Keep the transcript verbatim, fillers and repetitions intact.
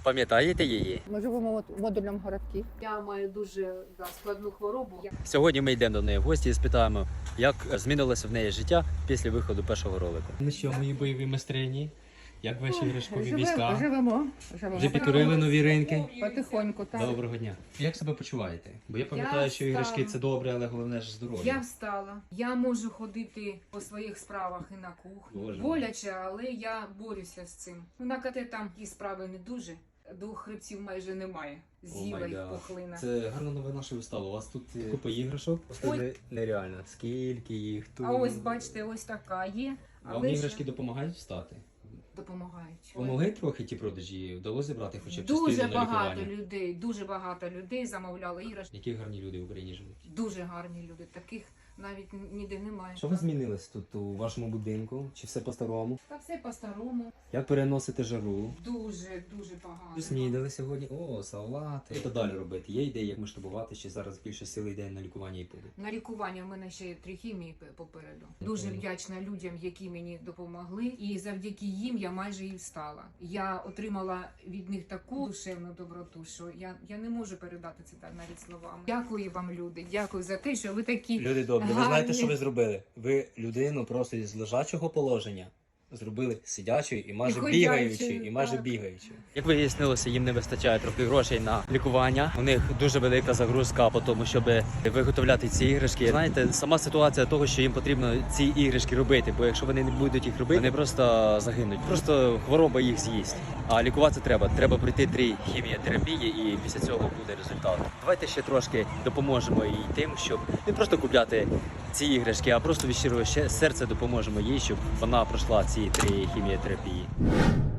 Пам'ятаєте її? Ми живемо в модульному городку. Я маю дуже да, складну хворобу. Сьогодні ми йдемо до неї в гості і спитаємо, як змінилося в неї життя після виходу першого ролику. Ну що, мої бойові майстрині? Як ваші іграшкові Живемо, війська? живемо, живемо. Вже підкорили нові ринки? Потихоньку, так. Доброго дня. Як себе почуваєте? Бо я пам'ятаю, Я що іграшки встала. це добре, але головне ж Я здоров'я. встала. Я можу ходити по своїх справах і на кухню. Боже. Боляче, але я борюся з цим. Ну, на КТ там і справи не дуже. Двох хребців майже немає. Зіва і пухлина. Це гарна новина, що ви стали. У вас тут е, купа іграшок. Ой. Нереально, скільки їх тут. А ось, бачите, ось така є. Вам Але іграшки ще допомагають встати? допомагають. Помогли трохи ті продажі? Вдалося зібрати хоча б Дуже частину на багато лікування? людей, дуже багато людей замовляли іграшки. Які гарні люди в Україні живуть. Дуже гарні люди. Таких навіть ніде немає. Що ви змінилось тут у вашому будинку? Чи все по-старому? Та все по-старому. Як переносите жару? Дуже, дуже погано. Снідали сьогодні. О, салати. Що далі робити? Є ідеї, як масштабувати, чи зараз більше сили йде на лікування і піде? На лікування в мене ще три хімії п- попереду. Дуже вдячна людям, які мені допомогли, і завдяки їм я майже і встала. Я отримала від них таку душевну доброту, що я, я не можу передати це так навіть словами. Дякую вам, люди. Дякую за те, що ви такі. Люди добрі, ви гарні. знаєте, що ви зробили? Ви людину просто із лежачого положення зробили сидячою і майже І ходячою, бігаючою, і майже так. бігаючою. Як вияснилося, їм не вистачає трохи грошей на лікування. У них дуже велика загрузка по тому, щоб виготовляти ці іграшки. Знаєте, сама ситуація того, що їм потрібно ці іграшки робити, бо якщо вони не будуть їх робити, вони просто загинуть. Просто хвороба їх з'їсть. А лікуватися треба. Треба пройти три хіміотерапії, і після цього буде результат. Давайте ще трошки допоможемо їй тим, щоб не просто купляти ці іграшки, а просто від щирого ще- серця допоможемо їй, щоб вона пройшла ці три хіміотерапії.